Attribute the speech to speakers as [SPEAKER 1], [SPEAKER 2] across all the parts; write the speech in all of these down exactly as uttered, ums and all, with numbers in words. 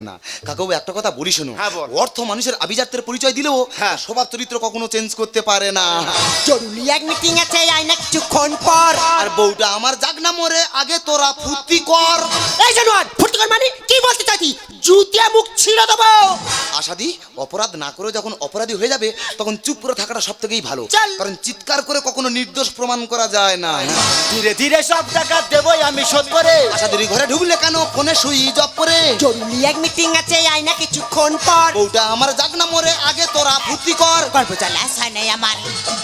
[SPEAKER 1] না কাকাবু একটা কথা বলি শোনো,
[SPEAKER 2] হ্যাঁ, বল।
[SPEAKER 1] অর্থ মানুষের আভিজাত্যের পরিচয় দিলেও
[SPEAKER 2] হ্যাঁ।
[SPEAKER 1] স্বভাব চরিত্র কখনো চেঞ্জ করতে পারে না।
[SPEAKER 3] জরুরি এক মিটিং আছে আই না কিছুক্ষণ পর।
[SPEAKER 1] আর বউটা আমার জাগ না মরে আগে তোরা ফুর্তি কর।
[SPEAKER 3] এই জানোয়ার ফুর্তি কর মানে কি বলতে চাইছি? জুতিয়া মুখ ছিঁড়ে দেবো।
[SPEAKER 1] আশাদি অপরাধ না করে যখন অপরাধী হয়ে যাবে তখন চুপ করে থাকাটা সব থেকেই ভালো,
[SPEAKER 3] চল।
[SPEAKER 1] কারণ চিৎকার করে কখনো নির্দোষ প্রমাণ করা যায় না।
[SPEAKER 2] ধীরে ধীরে সব টাকা দেবই আমি শোধ করে।
[SPEAKER 1] আশাদির ঘরে ঢুকলে কেন ফোনে সুইচ অফ করে?
[SPEAKER 3] জরুরি এক মিটিং আছে আই না কিছুক্ষণ পর।
[SPEAKER 1] বউটা আমার জাগ না মরে আগে তোরা ফুর্তি কর।
[SPEAKER 3] গল্প চালা সানাই আমার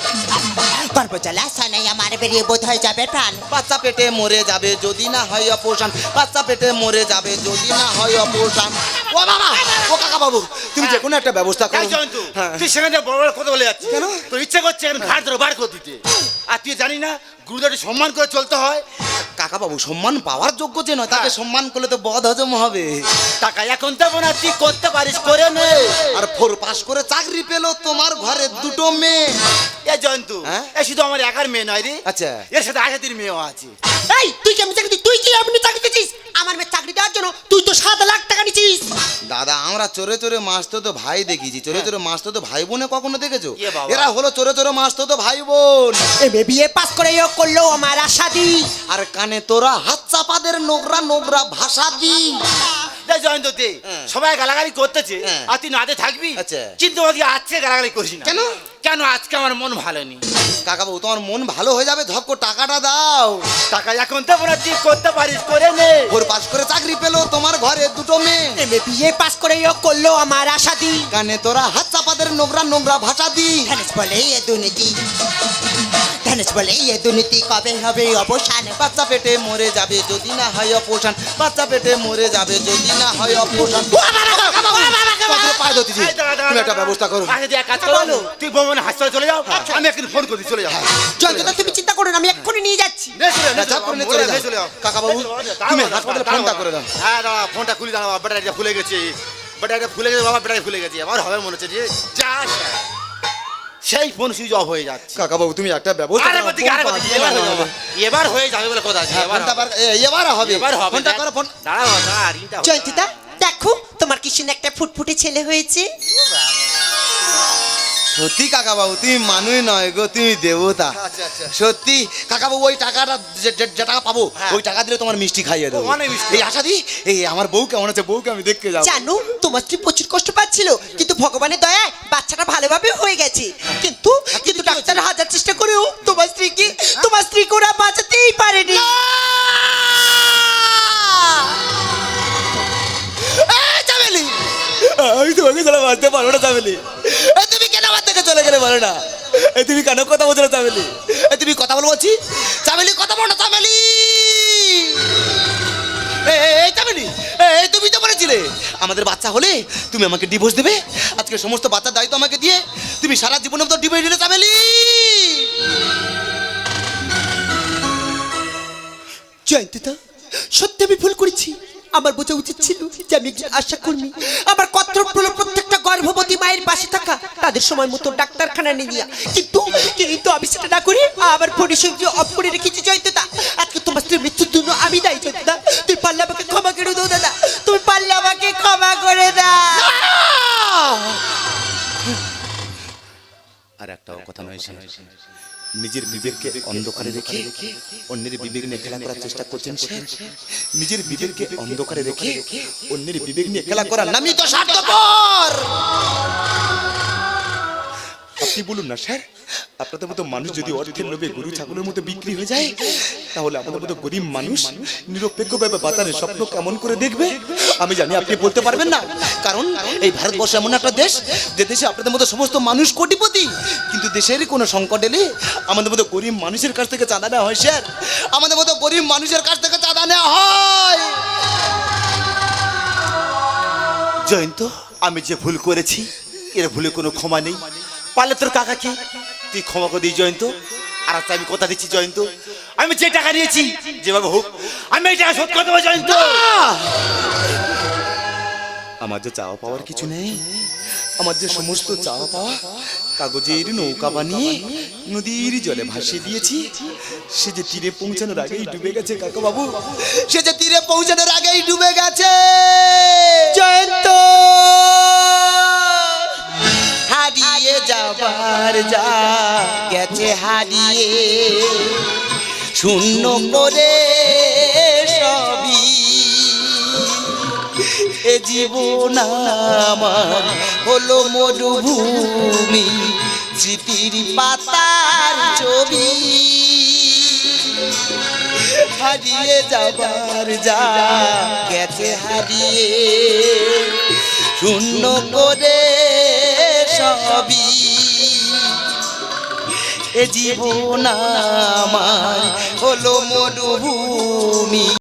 [SPEAKER 3] গল্প চালা সানাই আমার বেরিয়ে বোধ হয়ে যাবে প্রাণ।
[SPEAKER 1] বাচ্চা পেটে মরে যাবে যদি না হয় অপসান, বাচ্চা পেটে মরে যাবে যদি না হয় অপসান। ও বাবা, ও কাকা বাবু, তুমি যে কোনো একটা ব্যবস্থা করো।
[SPEAKER 2] এই জয়ন্তু,
[SPEAKER 1] হ্যাঁ।
[SPEAKER 2] তুই সেখানে বড় বড় কথা বলে যাচ্ছিস
[SPEAKER 1] কেন?
[SPEAKER 2] তোর ইচ্ছে করছে এখন ঘাট ধরে বার করে দিতে। আর তুই জানি না গুরুদেরকে সম্মান করে চলতে হয়।
[SPEAKER 1] কাকা বাবু সম্মান পাওয়ার যোগ্য যে নয় তাকে
[SPEAKER 2] হ্যাঁ।
[SPEAKER 1] সম্মান করলে তো বদ হজম হবে।
[SPEAKER 2] টাকা এখন দেবো না, তুই করতে পারিস করে নে।
[SPEAKER 1] আর ফোর পাস করে চাকরি পেলো তোমার ঘরে দুটো মেয়ে।
[SPEAKER 2] এ জয়ন্তু,
[SPEAKER 1] হ্যাঁ?
[SPEAKER 2] এ শুধু আমার একার মেয়ে নয় রে,
[SPEAKER 1] আচ্ছা।
[SPEAKER 2] এর সাথে আশাতির মেয়েও আছে।
[SPEAKER 3] এই তুই কেমন চাকরি দিস? তুই কি এমনি চাকরি দিচ্ছিস? আমার মেয়ে চাকরি দেওয়ার জন্য তুই তো সাত লাখ টাকা নিচ্ছিস।
[SPEAKER 1] দাদা আমরা চোরে চোরে মাছ তো তো ভাই দেখেছি, চোরে চোরে মাছ তো তো ভাই বোনে কখনো দেখেছো?
[SPEAKER 2] এ বাবা।
[SPEAKER 1] এরা হলো চোরে চোরে মাছ তো তো ভাই বোন।
[SPEAKER 3] এম এ বিএ পাস করে ও করলো আমার আশা দি।
[SPEAKER 1] আর কানে তোরা হাত চাপাদের নোংরা নোংরা ভাষা দি।
[SPEAKER 2] দেখ জয়ন্ত দে,
[SPEAKER 1] হ্যাঁ।
[SPEAKER 2] সবাই গালাগালি করতেছে
[SPEAKER 1] হ্যাঁ।
[SPEAKER 2] আর তুই নাতে থাকবি।
[SPEAKER 1] আচ্ছা।
[SPEAKER 2] কিন্তু ওকে আজকে গালাগালি করিস না।
[SPEAKER 1] কেন?
[SPEAKER 2] কেন আজকে আমার মন ভালো নেই।
[SPEAKER 1] কাকা বাবু তোমার মন ভালো হয়ে যাবে, ধপ করে টাকাটা দাও।
[SPEAKER 2] টাকা এখন দেবো না, তুই করতে পারিস করে নে।
[SPEAKER 1] ফোর পাস করে চাকরি পেলো তোমার ঘরে দুটো মেয়ে।
[SPEAKER 3] এম এ বিএ পাস করে ও করলো আমার আশা দি।
[SPEAKER 1] কানে তোরা হাত চাপাদের নোংরা নোংরা ভাষা দি।
[SPEAKER 3] ধানেশ বলে এ দুর্নীতি, ধানেশ বলে এ দুর্নীতি কবে হবে অবসান?
[SPEAKER 1] বাচ্চা পেটে মরে যাবে যদি না হয় অপসান, বাচ্চা পেটে মরে যাবে যদি না হয় অপসান। তোমাকে পায়ে ধরতেছি,
[SPEAKER 2] এই দাঁড়া, দাঁড়া,
[SPEAKER 1] তুমি একটা
[SPEAKER 2] দাঁড়া।
[SPEAKER 1] ব্যবস্থা করো।
[SPEAKER 2] আচ্ছা, তুই এক কাজ করো,
[SPEAKER 3] বলো।
[SPEAKER 2] তুই বোমনে হাসপাতালে চলে যাও, আমি এখন ফোন করি চলে যাও।
[SPEAKER 3] জয়ন্তদা তুমি চিন্তা করো না, আমি এক্ষুনি নিয়ে যাচ্ছি।
[SPEAKER 2] নে চলে যাও, নে
[SPEAKER 1] না, ঝপ করে নে
[SPEAKER 2] চলে
[SPEAKER 1] চলে
[SPEAKER 2] যাও,
[SPEAKER 1] যাও।
[SPEAKER 2] চলে যাও।
[SPEAKER 1] কাকা বাবু,
[SPEAKER 2] দাঁড়াও,
[SPEAKER 1] তুমি
[SPEAKER 2] দাঁড়াও,
[SPEAKER 1] হাসপাতালে
[SPEAKER 2] দাঁড়াও,
[SPEAKER 1] ফোনটা করে দাও।
[SPEAKER 2] হ্যাঁ দাঁড়া, ফোনটা খুলে দাঁড়াও, ব্যাটারিটা ফুলে গেছে, ব্যাটারিটা ফুলে গেছে বাবা, ব্যাটারি ফুলে গেছে, আমার হবে মনে হচ্ছে যে যা সেই ফোন সুইচ অফ হয়ে যাচ্ছে।
[SPEAKER 1] কাকা বাবু তুমি একটা ব্যবস্থা
[SPEAKER 2] আরে
[SPEAKER 1] করো,
[SPEAKER 2] বলছি, আরে
[SPEAKER 1] ফোন
[SPEAKER 2] বলছি,
[SPEAKER 1] পাচ্ছি
[SPEAKER 2] এবার
[SPEAKER 1] না।
[SPEAKER 2] হয়ে যাবে, এবার হয়ে যাবে বলে কথা আছে,
[SPEAKER 1] হ্যাঁ,
[SPEAKER 2] এবার
[SPEAKER 1] ফোনটা
[SPEAKER 2] হবে।
[SPEAKER 1] বার- এ, এবার হবে।
[SPEAKER 2] এবার হবে,
[SPEAKER 1] ফোনটা
[SPEAKER 2] দেখ।
[SPEAKER 1] করো, ফোন।
[SPEAKER 2] দাঁড়াও, দাঁড়া, রিংটা হবে।
[SPEAKER 3] জয়ন্তিদা দেখো তোমার কি সুন্দর একটা ফুটফুটে ছেলে হয়েছে।
[SPEAKER 1] সত্যি কাকা বাবু তুমি মানুষ নয় গো, তুমি দেবতা।
[SPEAKER 2] আচ্ছা, আচ্ছা।
[SPEAKER 1] সত্যি কাকা বাবু ওই টাকাটা যে যে- যে টাকা পাবো
[SPEAKER 2] হ্যাঁ।
[SPEAKER 1] ওই টাকা দিলে তোমার মিষ্টি খাইয়ে দেবো।
[SPEAKER 2] ও, অনেক মিষ্টি।
[SPEAKER 1] এই আশা দি, এই আমার বউ কেমন আছে, বউকে আমি দেখতে যাবো।
[SPEAKER 3] জানো তোমার স্ত্রী প্রচুর কষ্ট পাচ্ছিল, কিন্তু ভগবানের দয়ায় বাচ্চাটা ভালোভাবে হয়ে গেছে। কিন্তু কিন্তু ডাক্তার হাজার চেষ্টা করেও তোমার স্ত্রীকে তোমার স্ত্রীকে ওরা বাঁচাতেই পারেনি।
[SPEAKER 1] এই চামেলি, আমি তোমাকে ছাড়া বাঁচতে পারবো না চামেলি। এই তুমি কেন আমার থেকে চলে গেলে বলো না? এই তুমি কেন কথা বলছো না চামেলি? এই তুমি কথা বলো বলছি, চামেলি কথা বলো না চামেলি। এই, এই, এই চামেলি, এই তুমি তো বলেছিলে আমাদের বাচ্চা হলে তুমি আমাকে ডিভোর্স দেবে। আজকে সমস্ত বাচ্চার দায়িত্ব আমাকে দিয়ে তুমি সারা জীবনের মতো ডিভোর্স দিলে চামেলি।
[SPEAKER 3] জয়ন্তিদা সত্যি আমি ভুল করেছি। আমার বোঝা উচিত ছিল যে আমি একজন আশা কর্মী। আমার কর্তব্য হলো প্রত্যেকটা গর্ভবতী মায়ের পাশে থাকা, তাদের সময় মতো ডাক্তারখানা নিয়ে যাওয়া। কিন্তু কিন্তু আমি সেটা না করে আমার পরিষেবা যে অফ করে রেখেছি। জয়ন্তিদা আজকে তোমার স্ত্রীর মৃত্যুর জন্য আমি দায়ী। জয়ন্তিদা তুই পারলে আমাকে ক্ষমা করে দাও। দাদা তুমি পারলে আমাকে ক্ষমা করে দাও।
[SPEAKER 1] আর একটাও কথা নয়, সে নিজের বিবেককে অন্ধকারে রেখে অন্যের বিবেক নিয়ে খেলা করার চেষ্টা করছেন স্যার। নিজের বিবেককে অন্ধকারে রেখে অন্যের বিবেক নিয়ে খেলা করার নামই তো স্বার্থপর। আপনি বলুন না স্যার, আপনাদের মতো মানুষ যদি অর্থের লোভে গরু ছাগলের মতো বিক্রি হয়ে যায়, তাহলে আমাদের মতো গরিব মানুষ নিরপেক্ষভাবে বাঁচানোর স্বপ্ন কেমন করে দেখবে? আমি জানি আপনি বলতে পারবেন না, কারণ এই ভারতবর্ষ এমন একটা দেশ যে দেশে আপনাদের মতো সমস্ত মানুষ কোটিপতি, কিন্তু দেশের কোনো সংকট এলে আমাদের মতো গরিব মানুষের কাছ থেকে চাঁদা নেওয়া হয় স্যার। আমাদের মতো গরিব মানুষের কাছ থেকে চাঁদা নেওয়া হয়।
[SPEAKER 2] জয়ন্ত, আমি যে ভুল করেছি এর ভুলে কোনো ক্ষমা নেই। পারলে তোর কাকাকে তুই ক্ষমা করে দিই জয়ন্ত। আর আচ্ছা আমি কথা দিচ্ছি জয়ন্ত, আমি যে টাকা নিয়েছি যেভাবে হোক আমি এই টাকা শোধ করে দেবো জয়ন্ত।
[SPEAKER 1] আমার যে চাওয়া পাওয়ার কিছু নেই, আমার যে সমস্ত চাওয়া পাওয়া কাগজের নৌকা বানিয়ে নদীর জলে ভাসিয়ে দিয়েছি, সে যে তীরে পৌঁছানোর আগেই ডুবে গেছে কাকা বাবু, সে যে তীরে পৌঁছানোর আগেই ডুবে গেছে।
[SPEAKER 3] জয়ন্ত যাবার যা গেছে হারিয়ে শূন্য করে সবই এ জীবন আমার হলো মরুভূমি স্মৃতির পাতার ছবি হারিয়ে যাবার যা গেছে হারিয়ে শূন্য করে সবই এ জীবন আমার হলো মরুভূমি।